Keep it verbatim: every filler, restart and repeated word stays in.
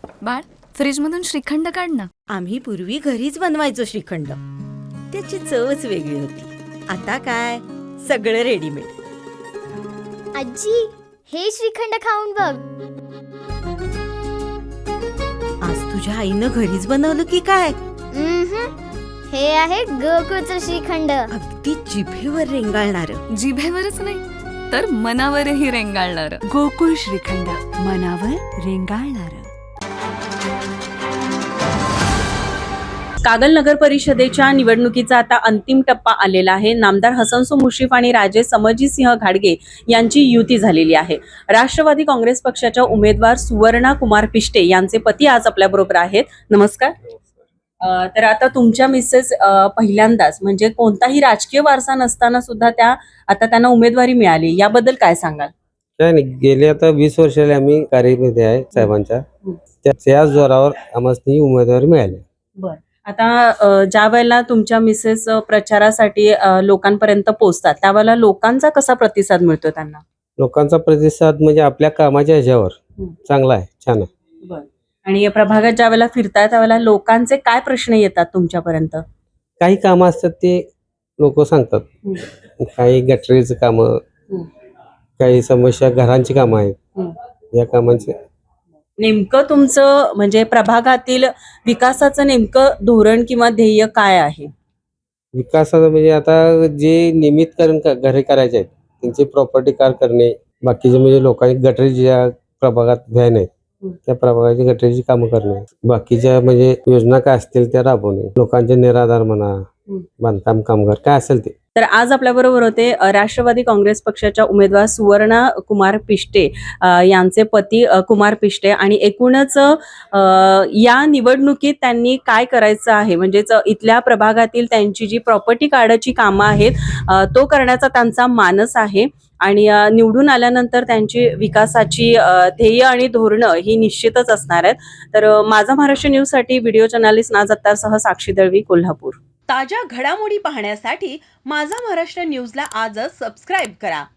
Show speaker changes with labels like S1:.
S1: बाळ, फ्रीजमधून श्रीखंड काढ ना.
S2: आम्ही पूर्वी घरीच बनवायचो श्रीखंड. त्याची चवच वेगळी होती. आता काय सगळं रेडीमेड.
S3: आजी, हे श्रीखंड खाऊन बघ.
S2: आज तुझ्या आईनं घरीच बनवलं की काय?
S3: उम्हम. हे आहे गोकुळचं श्रीखंड.
S2: अगदी जिभेवर रेंगाळणार.
S1: जिभेवरच नाही तर मनावरही रेंगाळणार.
S4: गोकुळ श्रीखंड, मनावर रेंगाळणार.
S5: कागल नगर परिषदेच्या निवडणुकीचा आता अंतिम टप्पा आलेला आहे. नामदार हसनसो मुश्रीफ आणि राजे समजीसिंह घाडगे यांची युती झालेली आहे. राष्ट्रवादी काँग्रेस पक्षाच्या उमेदवार सुवर्णा कुमार पिष्टे यांचे पती आज आपल्या बरोबर आहेत. नमस्कार. अ, तर आता तुमच्या मिसेस अ, पहिल्यांदाच म्हणजे कोणताही राजकीय वारसा नसताना सुद्धा त्या आता त्यांना उमेदवारी मिळाली, याबद्दल काय सांगाल?
S6: काय नाही, गेले आता वीस वर्षाला आम्ही कार्यमध्ये आहे साहेबांच्या. त्या- त्याच जोरावर आम्हाला उमेदवारी मिळाली.
S5: बर, आता अ, ज्या वेळेला तुमच्या मिसेस अ, प्रचारासाठी अ, लोकांपर्यंत पोहोचतात त्यावेळेला लोकांचा कसा प्रतिसाद मिळतो त्यांना?
S6: लोकांचा प्रतिसाद म्हणजे आपल्या कामाच्या ह्याच्यावर
S5: हम्म.
S6: चांगला आहे, छान आहे.
S5: बर, आणि या प्रभागात ज्या वेळेला फिरताय त्यावेळेला लोकांचे काय प्रश्न येतात तुमच्यापर्यंत?
S6: काही कामं असतात ते लोक सांगतात. काही गटरीचं कामं, काही समस्या घरांची कामं आहेत. या कामांचे
S5: नेमकं तुमचं म्हणजे प्रभागातील विकासाचं नेमकं धोरण किंवा ध्येय काय आहे?
S6: विकासाचं म्हणजे आता जे नियमितकरण क- घरे करायचे आहेत त्यांची प्रॉपर्टी कार करणे, बाकीचे म्हणजे लोकांनी गटरी ज्या प्रभागात व्हॅन आहेत त्या प्रभागाची गटरीची कामं करणे, बाकीच्या म्हणजे योजना काय असतील त्या राबवणे, लोकांचे निराधार म्हणा, बांधकाम कामगार काय असेल ते.
S5: तर आज आपल्या बरोबर होते अ, राष्ट्रवादी काँग्रेस पक्षाच्या उमेदवार सुवर्णा कुमार पिष्टे अ, यांचे पती अ, कुमार पिष्टे, आणि एकूणच अ, या निवडणुकीत त्यांनी काय करायचं आहे म्हणजेच इथल्या प्रभागातील त्यांची जी प्रॉपर्टी कार्डाची कामं आहेत अ, तो करण्याचा त्यांचा मानस आहे. आणि अ, निवडून आल्यानंतर त्यांची विकासाची अ, ध्येय आणि धोरणं ही निश्चितच असणार आहेत. तर अ, माझा महाराष्ट्र न्यूजसाठी व्हिडिओ जर्नलिस्ट नाज अत्तारसह साक्षी दळवी, कोल्हापूर.
S7: ताज्या घडामोडी पाहण्यासाठी माझा महाराष्ट्र न्यूजला आजच सबस्क्राईब करा.